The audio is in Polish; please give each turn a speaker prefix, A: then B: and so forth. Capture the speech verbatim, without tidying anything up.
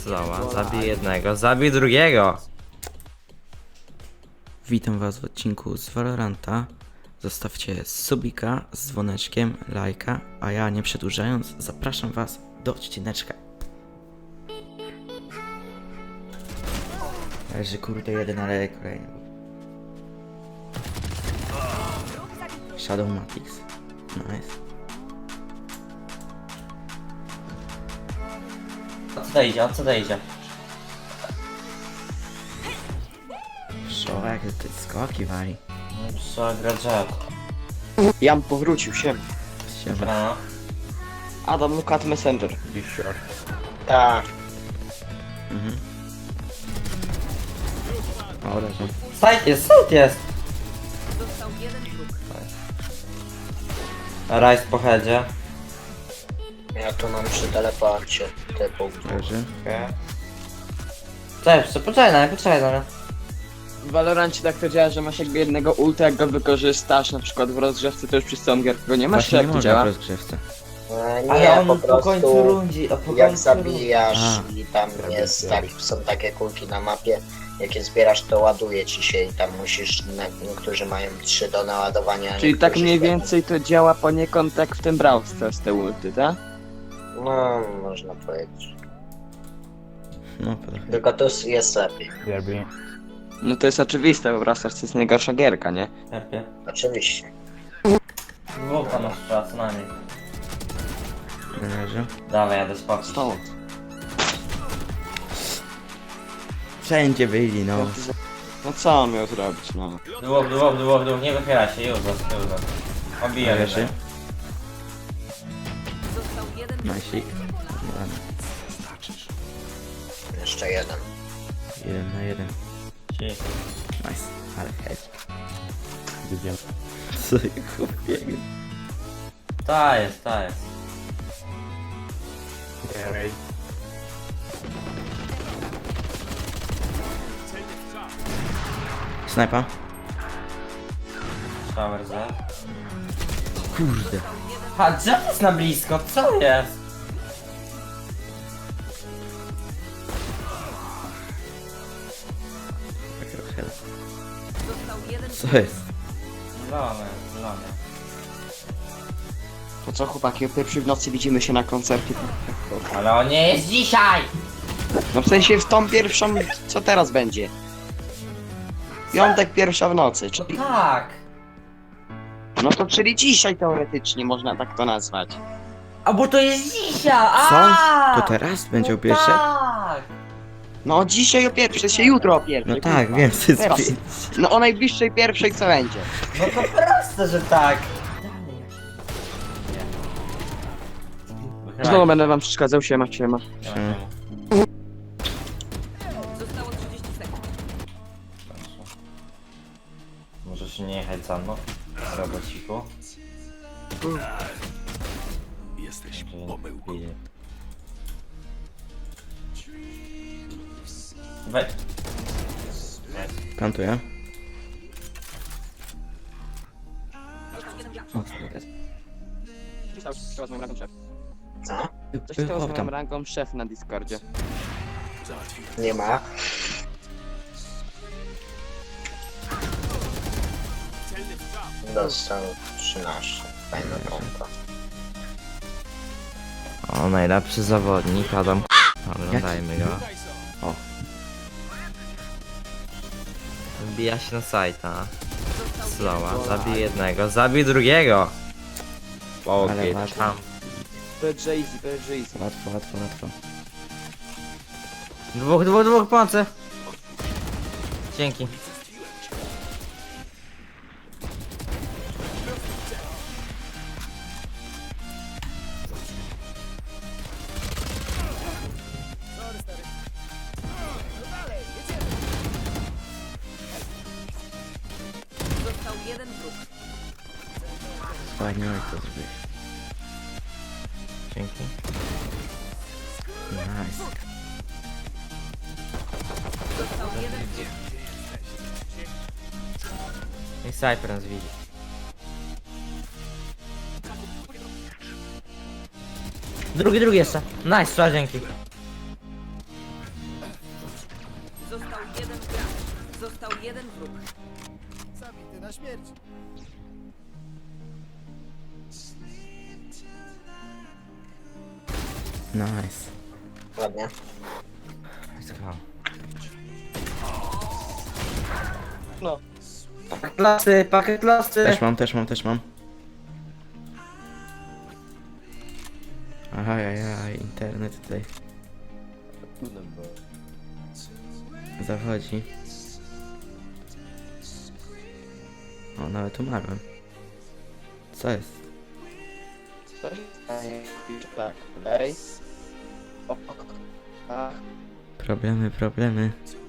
A: Slowa, zabij jednego, zabij drugiego!
B: Witam was w odcinku z Valoranta. Zostawcie subika z dzwoneczkiem, lajka, a ja nie przedłużając zapraszam was do odcineczka. Leży kurde jeden, ale kolejny. Shadow Matix. Nice.
A: O co to idzie, o co to idzie?
B: Szok, jak te skoki wali.
A: Trzeba grać rzad.
C: Jan powrócił się.
B: Siema.
A: No.
C: Adam, look at Messenger.
A: Be sure.
C: Tak.
B: Mhm. O, leży.
A: Site jest, site jest! Rise po headzie.
C: Ja tu mam przy teleporcie te punkty.
B: Leży.
A: Cześć, poczekaj na mnie, poczekaj na mnie.
C: W Valorancie tak to działa, że masz jakby jednego ulta, jak go wykorzystasz, na przykład w rozgrzewce to już przez całą gierkę go nie masz, czy
B: Właśnie nie
C: jak to
B: można
C: działa?
B: w rozgrzewce.
D: E, Nie,
A: Ale on
D: po
A: po
D: prostu
A: końcu rundzi, a po
D: jak
A: końcu
D: zabijasz
B: A.
D: i tam jest, tak, są takie kulki na mapie, jak je zbierasz to ładuje ci się i tam musisz, na- niektórzy mają trzy do naładowania. a
C: Czyli tak
D: niektórzy
C: mniej
D: cztery.
C: więcej to działa poniekąd jak w tym Brawl Stars te ulty, tak?
D: No, można powiedzieć.
B: No, trochę.
D: Tylko tu jest lepiej.
C: No to jest oczywiste, bo Brawl Stars to jest najgorsza gierka, nie?
A: Lepiej.
D: Oczywiście.
A: Dwóch tam masz trzeba co najmniej.
B: Leży.
A: Dawaj, jadę spać.
C: Stąd.
B: Wszędzie byli, no.
C: No co on miał zrobić, no?
A: Długo, długo, długo, długo, nie wychylaj się, już, już, już. Obijaj
B: Leży.
A: się.
B: Nasik. Ładnie.
D: Jeszcze jeden.
B: Jeden na jeden.
A: Ci.
B: Nice. Ale hedge. Co ja chłopiego?
A: Ta jest, ta jest.
B: Snajpa?
A: Shower Z.
B: Kurde.
A: Ha, Jeff jest na blisko, co jest?
B: Trochę. Co jest?
A: Zielony, zielony.
C: To co chłopaki, o pierwszej w nocy widzimy się na koncercie.
A: Ale on nie jest dzisiaj!
C: No w sensie w tą pierwszą, co teraz będzie? Piątek pierwsza w nocy, czyli...
A: Tak!
C: No to czyli dzisiaj teoretycznie można tak to nazwać.
A: A bo to jest dzisiaj!
B: Co?
A: A!
B: To teraz będzie o
A: No
B: pierwsze?
A: tak!
C: No dzisiaj o pierwszej, się jutro o pierwszej.
B: No tak,
C: kurwa.
B: wiem, co jest
C: Teraz.
B: pięć.
C: No o najbliższej pierwszej co będzie.
A: No to proste, że tak!
C: Znowu będę wam przeszkadzał, siema, siema.
A: Możesz nie jechać za mną, robociku.
E: Jesteś pomyłką.
A: Weź.
B: Plantuję. O, kurde.
C: Co z moją rangą szef?
D: Co?
C: Coś stało z
B: O,
C: moją
B: tam.
C: rangą szef na Discordzie.
D: Nie ma. Dostał trzynaście. Fajna pompa.
A: O, najlepszy zawodnik, Adam. Oglądajmy go.
B: O.
A: Wbija się na sajta. Slowa, zabij jednego, zabij drugiego!
B: Ale
A: Okej,
B: ważne.
A: tam.
C: To jest easy, to jest easy.
B: Łatwo, łatwo, łatwo.
A: Dwóch, dwóch, dwóch pomocy! Dzięki.
B: Fajnie, jak to zrobiłeś.
A: Dzięki.
B: Nice.
A: I Cypher nas widzi. Drugi, drugi jeszcze. Nice, trzeba dzięki.
F: jeden gracz. Został jeden wróg.
E: Zabity na śmierć.
B: Nice.
D: Ładnie.
A: Let's go.
C: No.
A: Pakiet lasy, pakiet lasy!
B: Też mam, też mam, też mam. Ajajaj, internet tutaj zachodzi. O, nawet umarłem. Co jest?
C: Coś? Tak, dalej. O, ach.
B: Problemy, problemy.